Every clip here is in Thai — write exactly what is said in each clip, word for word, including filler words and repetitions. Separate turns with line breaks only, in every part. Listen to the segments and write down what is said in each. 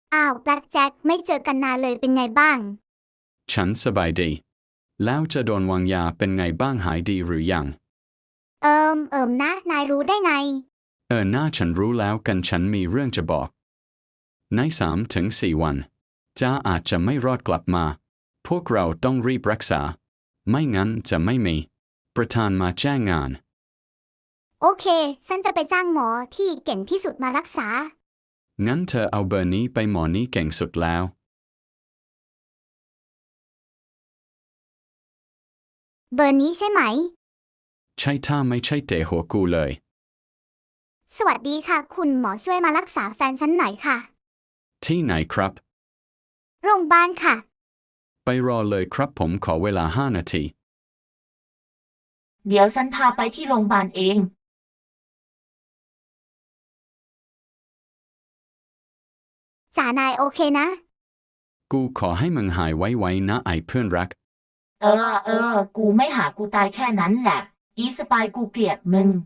อ้าวแบล็กแจ็คไม่เจอกันนานเลยเป็นไงบ้าง
ฉันสบายดีแล้วจะโดนวางยาเป็นไงบ้างหายดีหรือยัง
เอิมเอิมนะนายรู้ได้ไง
เออหน้าฉันรู้แล้วกันฉันมีเรื่องจะบอกในสามถึงสี่วันจ้าอาจจะไม่รอดกลับมาพวกเราต้องรีบรักษาไม่งั้นจะไม่มีประธานมาแจ้งงาน
โอเคฉันจะไปจ้างหมอที่เก่งที่สุดมารักษา
งั้นเธอเอาเบอร์นี้ไปหมอนี้เก่งสุดแล้ว
เบอร์นี้ใช่ไหม
ใช่ถ้าไม่ใช่เตะหัวกูเลย
สวัสดีค่ะคุณหมอช่วยมารักษาแฟนฉันหน่อยค่ะ
ที่ไหนครับ
โรงพยาบาลค่ะ
ไปรอเลยครับผมขอเวลาห้านาที
เดี๋ยวฉันพาไปที่โรงพยาบาลเอง
จ่านายโอเคนะ
กูขอให้มึงหายไวๆนะไอ้เพื่อนรัก
เออเออกูไม่หากูตายแค่นั้นแหละอีสปายกูเกลียดมึง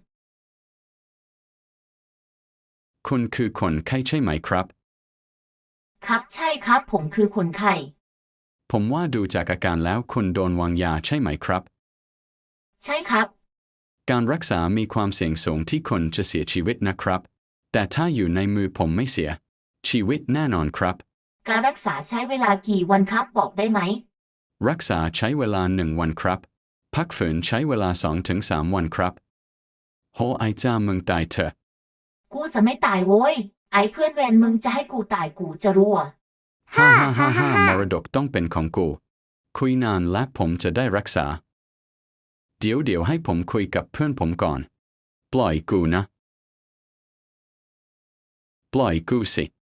คุณคือคนไข้ใช่ไหมครับ
ครับใช่ครับผมคือคนไข้
ผมว่าดูจากอาการแล้วคุณโดนวางยาใช่ไหมครับ
ใช่ครับ
การรักษามีความเสี่ยงสูงที่คนจะเสียชีวิตนะครับแต่ถ้าอยู่ในมือผมไม่เสียชีวิตแน่นอนครับ
การรักษาใช้เวลากี่วันครับบอกได้ไหม
รักษาใช้เวลาหนึ่งวันครับพักฝืนใช้เวลาสองถึงสามวันครับโหไอจ้ามึงตายเถอะ
กูจะไม่ตายโว้ยไอ้เพื่อนเวรมึงจะให้กูตายกูจะรู้อ่ะ
ฮ่าฮ่าฮ่าฮ่ามรดกต้องเป็นของกูคุยนานและผมจะได้รักษาเดี๋ยวเดี๋ยวให้ผมคุยกับเพื่อนผมก่อนปล่อยกูนะปล่อยกูสิ